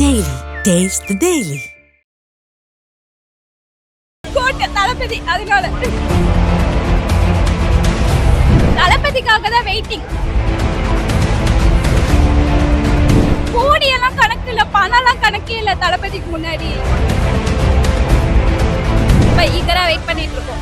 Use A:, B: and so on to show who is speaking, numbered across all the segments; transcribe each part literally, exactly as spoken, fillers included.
A: Daily. Taste the Daily.
B: கோட்டை தளபதி அதனால தளபதிக்காக தான் வெயிட்டிங். கோடியெல்லாம் கணக்கு இல்ல, பணம்லாம் கணக்கே இல்ல தளபதிக்கு முன்னாடி. இப்ப ஈகரா வெயிட் பண்ணிட்டு இருக்கோம்.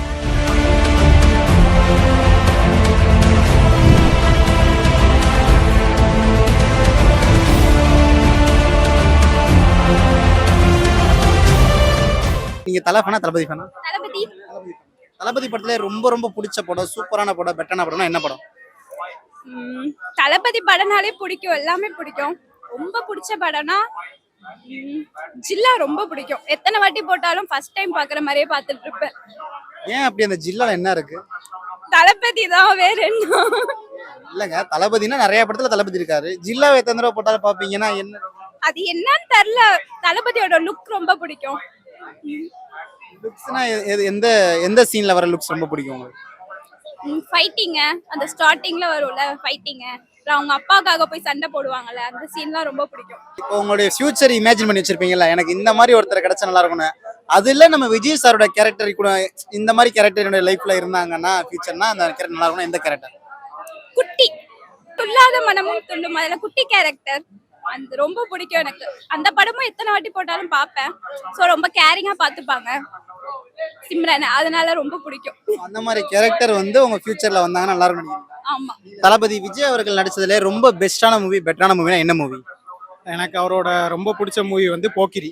C: நீங்க தலை ஃபேனா தளபதி ஃபேனா?
B: தளபதி.
C: தளபதி படத்துல ரொம்ப ரொம்ப பிடிச்ச படம், சூப்பரான படம், பெட்டரான படம்னா என்ன படம்?
B: ம், தளபதி படம்னாலே பிடிக்கும், எல்லாமே பிடிக்கும். ரொம்ப பிடிச்ச படம்னா ம், ஜில்லா ரொம்ப பிடிக்கும். எத்தனை வாட்டி போட்டாலும் ஃபர்ஸ்ட் டைம் பாக்குற மாதிரியே பார்த்துட்டு இருப்பேன்.
C: ஏன் அப்படி அந்த ஜில்லால என்ன இருக்கு?
B: தளபதி தான், வேற என்ன?
C: இல்லங்க, தளபதினா நிறைய படத்துல தளபதி இருக்காரு. ஜில்லாவை எத்தனை தடவை போட்டாலும் பாப்பீங்கன்னா என்ன? அது
B: என்னன்னு தெரியல. தளபதியோட லுக் ரொம்ப பிடிக்கும்.
C: லுக்ஸ்னா எந்த எந்த சீன்ல வர லுக்ஸ் ரொம்ப பிடிக்கும் உங்களுக்கு?
B: ஃபைட்டிங்க, அந்த ஸ்டார்டிங்ல வரும்ல ஃபைட்டிங்க, அப்புறம் அவங்க அப்பாக்காக போய் சண்டை போடுவாங்கல்ல, அந்த சீன்லாம் ரொம்ப பிடிக்கும்.
C: இப்போ உங்களுடைய ஃபியூச்சர் இமேஜின் பண்ணி வச்சிருப்பீங்கல்ல, எனக்கு இந்த மாதிரி ஒருத்தர் கிடைச்சா நல்லா இருக்கும்னு. அதுல நம்ம விஜய் சாரோட கேரக்டர் கூட இந்த மாதிரி கேரக்டர் என்னோட லைஃப்ல இருந்தாங்கன்னா ஃபியூச்சர்னா அந்த கேரக்டர் நல்லா இருக்கும்னா எந்த கேரக்டர்?
B: குட்டி துள்ளாத மனமும் துள்ளும், அதுல குட்டி கேரக்டர் அந்த ரொம்ப பிடிக்கும் எனக்கு. அந்த படமும் எத்தனை வாட்டி போட்டாலும் பார்ப்பேன். ஸோ ரொம்ப கேரிங்கா பார்த்துப்பாங்க சிம்ரன், அதனால ரொம்ப பிடிக்கும்.
C: அந்த மாதிரி கேரக்டர் வந்து உங்க ஃபியூச்சர்ல வந்தாங்கன்னா நல்லா இருக்கும்.
B: ஆமா.
C: தளபதி விஜய் அவர்கள் நடிச்சதுல ரொம்ப பெஸ்டான மூவி, பெட்டரான மூவினா என்ன மூவி?
D: எனக்கு அவரோட ரொம்ப பிடிச்ச மூவி வந்து போக்கிரி.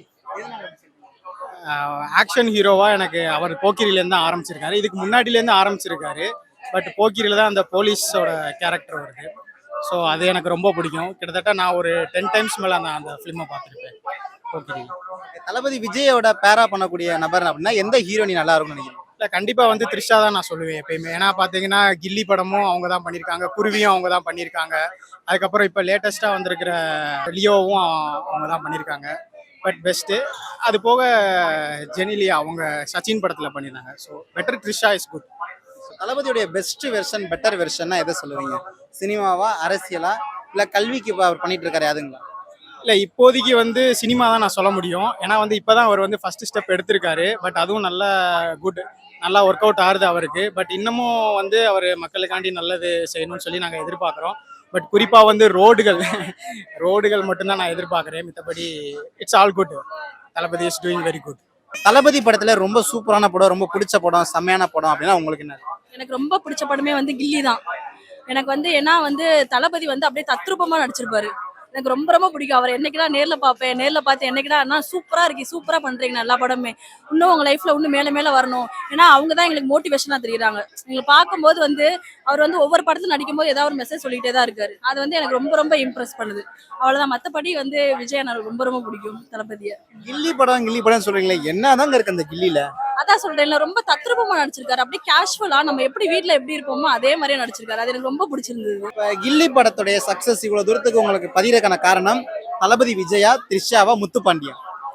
D: ஆக்ஷன் ஹீரோவா எனக்கு அவர் போக்கிரிலேருந்து தான் ஆரம்பிச்சிருக்காரு. இதுக்கு முன்னாடிலேருந்து ஆரம்பிச்சிருக்காரு. பட் போக்கிரியில தான் அந்த போலீஸோட கேரக்டர் வருது. ஸோ அது எனக்கு ரொம்ப பிடிக்கும். கிட்டத்தட்ட நான் ஒரு டென் டைம்ஸ் மேலே அந்த அந்த ஃபிலிமை பார்த்துருப்பேன் போக்கிரி.
C: தளபதி விஜயோட பேரா பண்ணக்கூடிய நபர் அப்படின்னா எந்த ஹீரோனி நல்லா இருக்கும்னு நினைக்கிறேன்?
D: இல்லை, கண்டிப்பாக வந்து த்ரிஷா தான் நான் சொல்லுவேன் எப்பயுமே. ஏன்னா பார்த்தீங்கன்னா கில்லி படமும் அவங்க தான் பண்ணியிருக்காங்க, குருவியும் அவங்க தான் பண்ணியிருக்காங்க. அதுக்கப்புறம் இப்போ லேட்டஸ்ட்டாக வந்திருக்கிற லியோவும் அவங்க தான் பண்ணியிருக்காங்க. But best. அது போக ஜெனிலியா அவங்க சச்சின் படத்தில் பண்ணியிருந்தாங்க. So better Trisha is good.
C: தளபதியுடைய பெஸ்ட் வெர்ஷன், பெட்டர் வெர்ஷன்னா எதை சொல்லுவீங்க? சினிமாவா, அரசியலா, இல்லை கல்விக்கு இப்போ அவர் பண்ணிட்டு இருக்காரு அதுங்களா?
D: இல்லை, இப்போதைக்கு வந்து சினிமா தான் நான் சொல்ல முடியும். ஏன்னா வந்து இப்போ தான் அவர் வந்து ஃபர்ஸ்ட் ஸ்டெப் எடுத்திருக்காரு. பட் அதுவும் நல்லா குட், நல்லா ஒர்க் அவுட் ஆகுது அவருக்கு. பட் இன்னமும் வந்து அவர் மக்களுக்காண்டி நல்லது செய்யணும்னு சொல்லி நாங்கள் எதிர்பார்க்குறோம். பட் குறிப்பாக வந்து ரோடுகள் ரோடுகள் மட்டும்தான் நான் எதிர்பார்க்குறேன். மற்றபடி it's all good. Thalapathy is doing very good.
C: Thalapathy படத்துல ரொம்ப சூப்பரான படம், ரொம்ப பிடிச்ச படம், செம்மையான படம் அப்படின்னா உங்களுக்கு என்ன?
E: எனக்கு ரொம்ப பிடிச்ச படமே வந்து கில்லி தான். எனக்கு வந்து ஏன்னா வந்து தளபதி வந்து அப்படியே தத்ரூபமா நடிச்சிருப்பாரு. எனக்கு ரொம்ப ரொம்ப பிடிக்கும். அவர் என்னைக்குதான் நேர்ல பார்ப்பேன், நேர்ல பார்த்து என்னைக்குதான் அண்ணா சூப்பரா இருக்கு, சூப்பரா பண்றீங்க எல்லா படமே, இன்னும் உங்க லைஃப்ல இன்னும் மேல மேல வரணும். ஏன்னா அவங்க தான் எங்களுக்கு மோட்டிவேஷனா தெரியுறாங்க. எங்களை பார்க்கும்போது வந்து அவர் வந்து ஒவ்வொரு படத்துல நடிக்கும் போது ஏதாவது ஒரு மெசேஜ் சொல்லிட்டே தான் இருக்காரு. அது வந்து எனக்கு ரொம்ப ரொம்ப இம்ப்ரெஸ் பண்ணுது. அவ்வளவுதான். மத்தபடி வந்து விஜய் எனக்கு ரொம்ப ரொம்ப பிடிக்கும் தளபதியை.
C: கில்லி படம் கில்லி படம் சொல்றீங்களே, என்னதாங்க இருக்கு அந்த கில்லில?
E: அதான் சொல்றேன்ல, ரொம்ப தத்ரூபமா நடிச்சிருக்காரு. அப்படியே கேஷுவலா நம்ம எப்படி வீட்டுல எப்படி இருப்போமோ அதே மாதிரியே நடிச்சிருக்காரு. அது எனக்கு ரொம்ப பிடிச்சிருந்தது.
C: இப்ப கில்லி படத்துடைய சக்சஸ் இவ்வளவு தூரத்துக்கு உங்களுக்கு பதிரக்கான காரணம் தளபதி விஜயா, த்ரிஷாவா, முத்துப்பாண்டியா?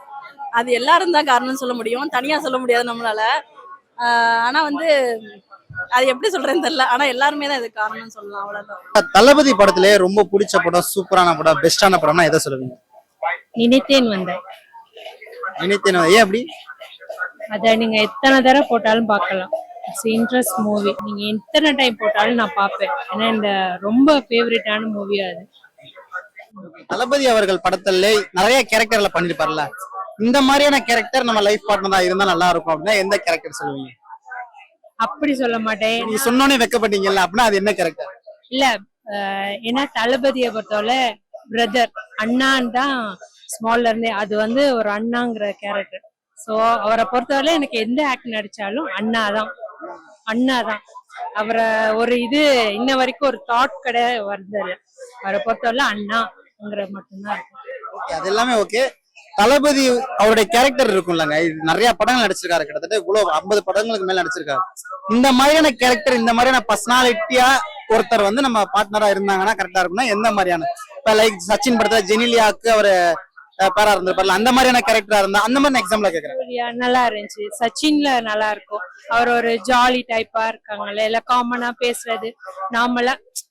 E: அது எல்லாரும் தான் காரணம்னு சொல்ல முடியும், தனியா சொல்ல முடியாது நம்மளால. ஆஹ் ஆனா வந்து அது எப்படி சொல்றேன்னு தெரியல. ஆனா எல்லாருமே தான் இது காரணம்னு சொல்லலாம். அவ்வளவுதான்.
C: தளபதி படத்திலே ரொம்ப பிடிச்ச படம், சூப்பரான படம், பெஸ்டான படம்னா எதை சொல்லுவீங்க?
F: நினைத்தேன் வந்தேன்.
C: நினைத்தேன். ஏன் அப்படி?
F: அதை நீங்க எத்தனை தடவை போட்டாலும் பார்க்கலாம். It's interest movie. நீங்க எத்தனை டைம் போட்டாலும் நான் பார்ப்பேன். ஏன்னா இந்த ரொம்ப ஃபேவரட்டான மூவியா அது.
C: தளபதி அவர்கள் படத்துல நிறைய கேரக்டர்ல பண்ணிருப்பார்ல, இந்த மாதிரியான கேரக்டர் நம்ம லைஃப் பார்ட்னரா இருந்தா நல்லா இருக்கும் அப்படின்னா எந்த கேரக்டர் சொல்லுவீங்க?
F: அப்படி சொல்ல மாட்டேன்.
C: நீ சொன்னோன்னே வெக்கப்பட்டீங்கல்ல, அப்படின்னா அது என்ன கேரக்டர்?
F: இல்ல, ஏன்னா தளபதியை பொறுத்தவரை பிரதர், அண்ணான்னு தான் ஸ்மால்ல இருந்தே. அது வந்து ஒரு அண்ணாங்கிற கேரக்டர். ஸோ அவரை பொறுத்தவரை எனக்கு எந்த ஆக்ட் நடிச்சாலும் அண்ணா தான், அண்ணா தான். அவரை ஒரு இது இன்ன வரைக்கும் ஒரு தாட் கடை வருது. அவரை பொறுத்தவரை அண்ணாங்கிற மட்டும்தான் இருக்கும்.
C: அது எல்லாமே ஓகே. தளபதி அவருடைய கேரக்டர் இருக்கும்லங்க, நிறைய படங்கள் நடிச்சிருக்காரு. கிட்டத்தட்ட இவ்வளவு ஐம்பது படங்களுக்கு மேல நடிச்சிருக்காரு. இந்த மாதிரியான கேரக்டர், இந்த மாதிரியான பர்சனாலிட்டியா ஒருத்தர் வந்து நம்ம பார்ட்னரா இருந்தாங்கன்னா கரெக்டா இருக்கும்னா எந்த மாதிரியான? இப்ப லைக் சச்சின் படத்துல ஜெனிலியாக்கு அவரு பேரா இருந்திருப்பார்ல, அந்த மாதிரியான கேரக்டரா இருந்தா அந்த மாதிரி எக்ஸாம்பிளா கேக்குறேன்.
F: நல்லா இருந்துச்சு. சச்சின்ல நல்லா இருக்கும். அவர் ஒரு ஜாலி டைப்பா இருக்காங்கல்ல, இல்ல காமனா பேசுறது, நார்மலா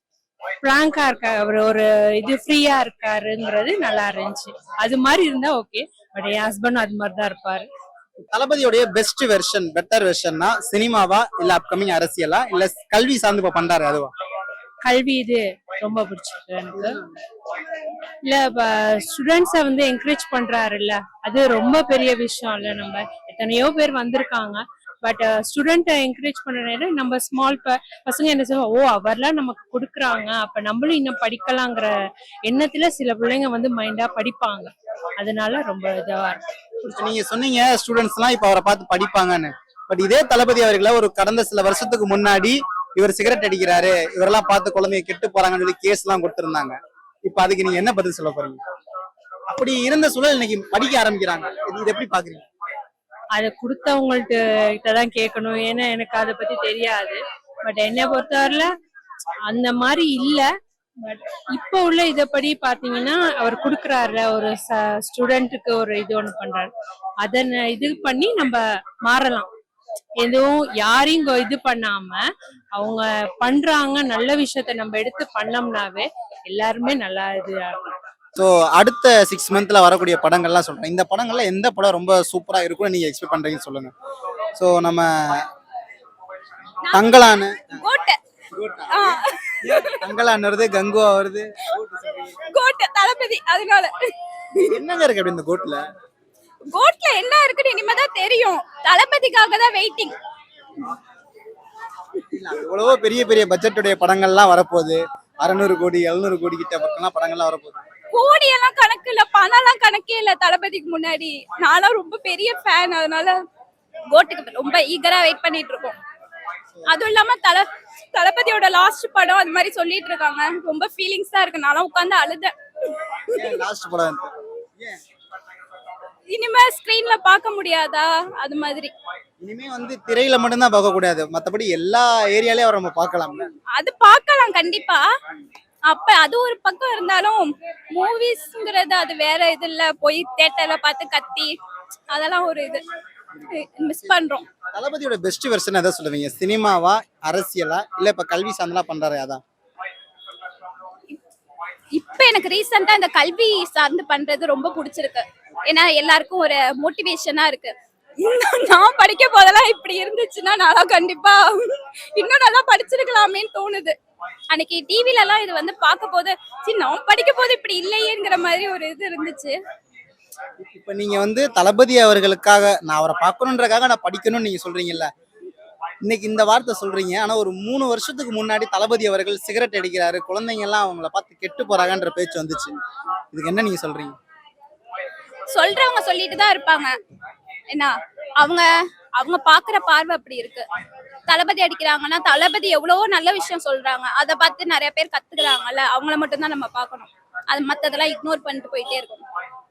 F: பிராங்கா இருக்காரு, அவர் ஒரு இது ஃப்ரீயா இருக்காருங்கிறது நல்லா இருந்துச்சு. அது மாதிரி இருந்தா ஓகே. பட் என் ஹஸ்பண்ட் அது மாதிரி தான் இருப்பாரு.
C: தளபதியோடைய பெஸ்ட் வெர்ஷன், பெட்டர் வெர்ஷன்னா சினிமாவா இல்ல அப்கமிங் அரசியலா இல்ல கல்வி சார்ந்து இப்ப பண்றாரு அதுவா?
F: கல்வி இது ரொம்ப பிடிச்சிருக்கு எனக்கு. இல்ல ஸ்டூடெண்ட்ஸை வந்து என்கரேஜ் பண்றாருல்ல, அது ரொம்ப பெரிய விஷயம் இல்ல. நம்ம எத்தனையோ பேர் வந்திருக்காங்க, பட் ஸ்டூடெண்ட்டை என்கரேஜ் பண்ண நேரம் நம்ம ஸ்மால் பசங்க என்ன சொல்லுவோம், ஓ அவர்லாம் நமக்கு கொடுக்குறாங்க, அப்ப நம்மளும் இன்னும் படிக்கலாங்கிற எண்ணத்துல சில பிள்ளைங்க வந்து மைண்டா படிப்பாங்க. அதனால ரொம்ப இதுவா இருக்கு.
C: இப்ப நீங்க சொன்னீங்க ஸ்டூடெண்ட்ஸ் எல்லாம் இப்ப அவரை பார்த்து படிப்பாங்கன்னு. பட் இதே தளபதி அவர்களை ஒரு கடந்த சில வருஷத்துக்கு முன்னாடி இவர் சிகரெட் அடிக்கிறாரு, இவரெல்லாம் பார்த்து குழந்தைங்க கெட்டு போறாங்கன்னு சொல்லி கேஸ் எல்லாம் கொடுத்திருந்தாங்க. இப்ப அதுக்கு நீங்க என்ன பதில் சொல்ல போறீங்க? அப்படி இருந்த சூழல் இன்னைக்கு படிக்க ஆரம்பிக்கிறாங்க, இது இது எப்படி பாக்குறீங்க?
F: அதை கொடுத்தவங்கள்ட்ட கிட்டதான் கேட்கணும், ஏன்னா எனக்கு அதை பத்தி தெரியாது. பட் என்னை பொறுத்தவரையில அந்த மாதிரி இல்ல. பட் இப்போ உள்ள இதைப்படி பாத்தீங்கன்னா அவர் கொடுக்குறாருல, ஒரு ஸ்டூடெண்ட்டுக்கு ஒரு இது ஒண்ணு பண்றாரு, அதை இது பண்ணி நம்ம மாறலாம். எதுவும் யாரையும் கொ- இது பண்ணாம அவங்க பண்றாங்க, நல்ல விஷயத்த நம்ம எடுத்து பண்ணோம்னாவே எல்லாருமே நல்லா இது ஆகும்.
C: ஸோ அடுத்த சிக்ஸ் மந்த்ல வரக்கூடிய படங்கள்லாம் சொல்றேன். இந்த படங்கள்ல எந்த படம் ரொம்ப சூப்பரா இருக்கும்னு நீங்க எக்ஸ்பெக்ட் பண்றீங்கன்னு சொல்லுங்க. ஸோ நம்ம தங்கலான
B: கோட்டை ஆ,
C: தங்கலான் வருது, கங்குவா வருது.
B: கோட்டை தளபதி. அதனால
C: என்னங்க இருக்கு அப்படி இந்த கோட்ல?
B: கோட்ல என்ன இருக்குன்னு இனிமேதான் தெரியும். தளபதிக்காக தான் வெயிட்டிங்.
C: எவ்வளவோ பெரிய பெரிய பட்ஜெட்டுடைய படங்கள்லாம் வரப்போகுது. அறுநூறு கோடி எழுநூறு கோடி கிட்ட பக்கம்லாம் படங்கள்லாம் வரப்போகுது.
B: கோடி எல்லாம் கணக்கு இல்ல, பணம் எல்லாம் கணக்கே இல்ல தளபதிக்கு முன்னாடி. நானும் ரொம்ப பெரிய ஃபேன், அதனால கோட்டுக்கு ரொம்ப ஈகரா வெயிட் பண்ணிட்டு இருக்கோம். அதுவும் இல்லாம தல தளபதியோட லாஸ்ட் படம் அது மாதிரி சொல்லிட்டு இருக்காங்க. ரொம்ப ஃபீலிங்ஸா இருக்கு. நானும் உட்காந்து அழுதேன்.
C: லாஸ்ட் படம் வந்து. ஏன்?
B: இனிமே ஸ்கிரீன்ல பார்க்க முடியாதா அது மாதிரி.
C: இனிமே வந்து திரையில மட்டும்தான் பார்க்க கூடாது, மத்தபடி எல்லா ஏரியாலயும் அவரை நம்ம பார்க்கலாம்ல.
B: அது பார்க்கலாம் கண்டிப்பா. அப்ப அது ஒரு பக்கம் இருந்தாலும் மூவிஸ்ங்கிறது அது வேற இது இல்ல. போய் தியேட்டர்ல பார்த்து கத்தி அதெல்லாம் ஒரு இது மிஸ் பண்றோம்.
C: தளபதியோட பெஸ்ட் வெர்ஷன் எதை சொல்லுவீங்க? சினிமாவா அரசியலா இல்ல இப்ப கல்வி சார்ந்தெல்லாம் பண்றாரு அதான்?
B: இப்ப எனக்கு ரீசெண்டா இந்த கல்வி சார்ந்து பண்றது ரொம்ப பிடிச்சிருக்கு. ஏன்னா எல்லாருக்கும் ஒரு மோட்டிவேஷனா இருக்கு. இன்னும் நான் படிக்க போதெல்லாம் இப்படி இருந்துச்சுன்னா நான் கண்டிப்பா இன்னும் நல்லா படிச்சிருக்கலாமேன்னு தோணுது. அன்னைக்கு டிவில எல்லாம் இது வந்து பார்க்க போது சரி நான் படிக்க போது இப்படி இல்லையேங்கிற மாதிரி ஒரு இது இருந்துச்சு.
C: இப்ப நீங்க வந்து தளபதி அவர்களுக்காக நான் அவரை பார்க்கணுன்றக்காக நான் படிக்கணும்னு நீங்க சொல்றீங்கல்ல, இன்னைக்கு இந்த வார்த்தை சொல்றீங்க. ஆனா ஒரு மூணு வருஷத்துக்கு முன்னாடி தளபதி அவர்கள் சிகரெட் அடிக்கிறாரு, குழந்தைங்க எல்லாம் அவங்கள பார்த்து கெட்டு போறாங்கன்ற பேச்சு வந்துச்சு. இதுக்கு என்ன நீங்க சொல்றீங்க?
B: சொல்றவங்க சொல்லிட்டு தான் இருப்பாங்க. என்ன அவங்க அவங்க பாக்குற பார்வை அப்படி இருக்கு. தளபதி அடிக்கிறாங்கன்னா தளபதி எவ்வளவோ நல்ல விஷயம் சொல்றாங்க, அதை பார்த்து நிறைய பேர் கத்துக்கிறாங்கல்ல, அவங்கள மட்டும் தான் நம்ம பார்க்கணும். அது மத்ததெல்லாம் இக்னோர் பண்ணிட்டு போயிட்டே இருக்கணும்.